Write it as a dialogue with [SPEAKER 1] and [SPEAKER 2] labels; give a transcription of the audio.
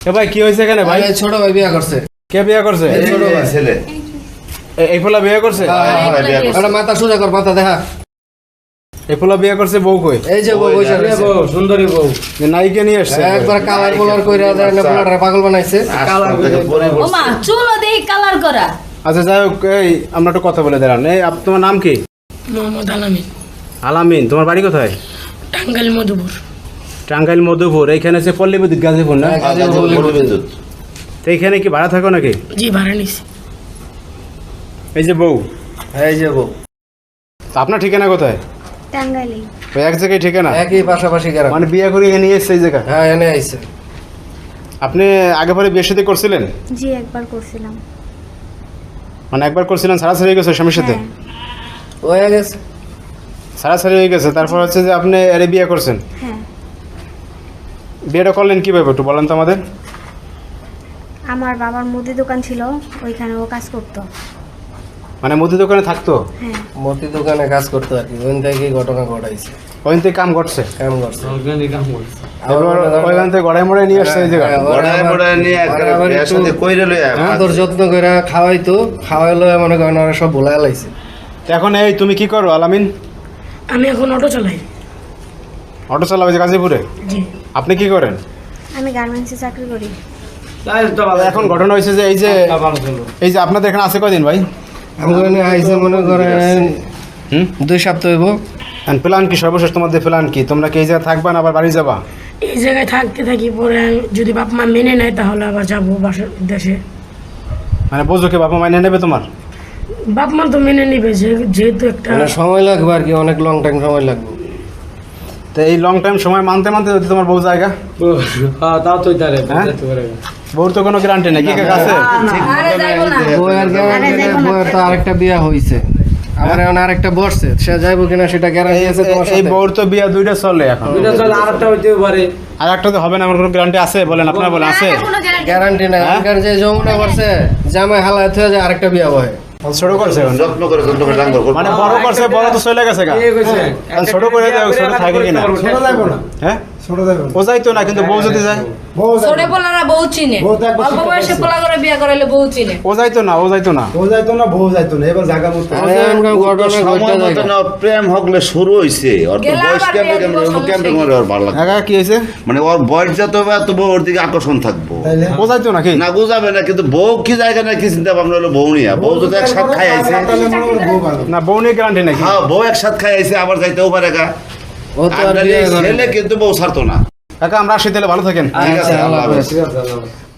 [SPEAKER 1] ভাই কি হয়েছে এখানে ভাই?
[SPEAKER 2] ছোট ভাই বিয়ে করছে।
[SPEAKER 1] কে বিয়ে করছে?
[SPEAKER 2] ছোট ভাই
[SPEAKER 3] ছেলে।
[SPEAKER 1] এই ফোলা বিয়ে করছে?
[SPEAKER 2] মাথা সোজা কর, মাথা দেখা।
[SPEAKER 1] এই ফোলা বিয়ে করছে, বউ কই?
[SPEAKER 2] এই যে বউ বসে রয়েছে।
[SPEAKER 4] সুন্দরী বউ
[SPEAKER 1] নায়িকা নিয়ে আসছে
[SPEAKER 2] একবার কালার কালার কইরা দেয় না, পোলাটা পাগল বানাইছে।
[SPEAKER 5] ওমা চুলো দেই কালার করা।
[SPEAKER 1] আচ্ছা যাই হোক, এই আমরা একটু কথা বলে দাঁড়ান। এই তোমার নাম কি?
[SPEAKER 6] মোহাম্মদ আলামিন,
[SPEAKER 1] আলামিন। তোমার বাড়ি কোথায়?
[SPEAKER 6] টাঙ্গাইল মধুপুর।
[SPEAKER 1] টাঙ্গাইল মধুপুর। এইখানে আছে পল্লী বিদ্যুৎ গাজীপুর না? তো এইখানে কি ভাড়া থাকো নাকি?
[SPEAKER 6] জি ভাড়া নিছি।
[SPEAKER 1] এই যে বউ,
[SPEAKER 2] এই যে বউ।
[SPEAKER 1] তো আপনার ঠিকানা কোথায়?
[SPEAKER 7] টাঙ্গাইলে।
[SPEAKER 1] ওই এক জায়গায় ঠিকানা?
[SPEAKER 2] একই পাশাপাশি গ্রাম।
[SPEAKER 1] মানে বিয়ে করে এখানে নিয়ে এসছে এই জায়গায়?
[SPEAKER 2] হ্যাঁ, এনে আইছে।
[SPEAKER 1] আপনি আগে পরে বিয়ে সাথে করছিলেন?
[SPEAKER 7] জি একবার করছিলাম।
[SPEAKER 1] মানে একবার করছিলেন, সারাসারি হয়ে গেছে স্বামীর সাথে?
[SPEAKER 7] হ্যাঁ।
[SPEAKER 2] হয়ে গেছে।
[SPEAKER 1] সারাসারি হয়ে গেছে, তারপর হচ্ছে যে আপনি এর বিয়ে করছেন।
[SPEAKER 7] হ্যাঁ।
[SPEAKER 1] বিয়েটা করলেন কিভাবে একটু বলেন তো আমাদের।
[SPEAKER 7] আমার বাবার মুদি দোকান ছিল, ওইখানে ও কাজ করতো।
[SPEAKER 1] মানে মুদি দোকানে থাকতো?
[SPEAKER 7] হ্যাঁ।
[SPEAKER 2] মতি দোকানে কাজ করতো আর কি, ওইখান থেকে ঘটনা ঘটাইছে।
[SPEAKER 1] ওইখান থেকে কাম করছে?
[SPEAKER 2] কাম করছে।
[SPEAKER 4] কাম করছে।
[SPEAKER 1] এবার ওইখান থেকে গড়াই মড়াই নিয়ে আসছে এই জায়গায়?
[SPEAKER 2] আদর যত্ন করে খাওয়াইতো, খাওয়াইলো মনে করেন ওরা সব ভুলাই লাইছে।
[SPEAKER 1] তো এখন এই তুমি কি করো আলামিন?
[SPEAKER 6] আমি এখন অটো চালাই।
[SPEAKER 1] অটো চালাবে যে গাজীপুরে?
[SPEAKER 6] জি।
[SPEAKER 1] আপনি কি করেন?
[SPEAKER 7] আমি গার্মেন্টসে চাকরি করি।
[SPEAKER 1] এখন ঘটনা হয়েছে যে এই যে আপনাদের এখানে আছে কয়দিন ভাই?
[SPEAKER 2] ওখানে আইসে মনে করেন 2 সপ্তাহ হইব।
[SPEAKER 1] প্ল্যান কি সর্বশেষ তোমাদের প্ল্যান কি? তোমরা কি এই জায়গায় থাকবা না আবার বাড়ি যাবা?
[SPEAKER 6] এই জায়গায় থাকতে থাকি, পরে যদি বাপ মা মেনে নেয় তাহলে আবার যাবো বাসার দেশে।
[SPEAKER 1] মানে বোঝোকে বাবা মাইনে নেবে তোমার?
[SPEAKER 6] বাপ মা তো মেনে নিবে, যেহেতু একটা
[SPEAKER 2] মানে সময় লাগবে আর কি, অনেক লং টাইম সময় লাগবে।
[SPEAKER 1] তো এই লং টাইম সময় মানতে মানতে যদি তোমার বউ জায়গা,
[SPEAKER 4] হ্যাঁ তাও তো তারে
[SPEAKER 1] হ্যাঁ? বউর তো কোনো গ্যারান্টি নেই, কি কাছে?
[SPEAKER 5] আরে যাইবো না।
[SPEAKER 2] বউয়ের গ্যারান্টি, বউয়ের তো আরেকটা বিয়া হইছে, আমার এখন আরেকটা বসছে, সে যাইবো কিনা সেটা গ্যারান্টি আছে তোমার
[SPEAKER 1] এই
[SPEAKER 2] সাথে?
[SPEAKER 1] বউর তো বিয়া দুইটা চলে এখন,
[SPEAKER 4] দুইটা চলে, আরেকটা হইতেও পারে।
[SPEAKER 1] আর একটা তো হবে না, আমার কোনো গ্যারান্টি আছে বলেন? আপনারা বলেন আছে?
[SPEAKER 2] গ্যারান্টি নাই। এখানে যে যমুনা করছে জামাই হালায় থেকে যায় আরেকটা বিয়া বহে।
[SPEAKER 1] ছোট করছে এখন?
[SPEAKER 3] যত্ন করে ডাঙ্গর করবে।
[SPEAKER 1] মানে বড় করছে, বড় তো চলে গেছে গা। এখন ছোট করে দেয়, ছোট থাকে কিনা? হ্যাঁ ও যাইতো না, কিন্তু বউ যদি যায়?
[SPEAKER 5] ছোট পোলারা বউ চিনে, অল্প বয়সে পোলা করে বিয়ে করাইলে বউ চিনে।
[SPEAKER 1] ও যাইতো না, ও যাইতো না।
[SPEAKER 3] প্রেম হকলে শুরু হইছে, ওর তো বয়স কেমন ভালো লাগে।
[SPEAKER 1] একা কি হয়েছে?
[SPEAKER 3] মানে ওর বয়স যত হবে তত ওর দিকে আকর্ষণ থাকবো।
[SPEAKER 1] ও যাইতো নাকি?
[SPEAKER 3] না বুঝাবে না, কিন্তু বউ কি জায়গা না কি চিন্তা ভাবনা হলো বউ নিয়ে। বউ যদি একসাথ খাই আইছে,
[SPEAKER 1] না বউ নিয়ে গ্যারান্টি নাকি?
[SPEAKER 3] হ্যাঁ বউ একসাথ খাই আইছে, আবার যাইতেও পারে গা।
[SPEAKER 2] ও তো আর বিয়ে করে
[SPEAKER 3] ছেলে কিন্তু বউ ছাড়তো না।
[SPEAKER 1] কাকা আমরা আসি তাহলে, ভালো থাকেন।
[SPEAKER 3] ঠিক আছে,
[SPEAKER 2] আচ্ছা,
[SPEAKER 3] আল্লাহ
[SPEAKER 2] আল্লাহ
[SPEAKER 3] হাফেজ।
[SPEAKER 2] হাফেজ।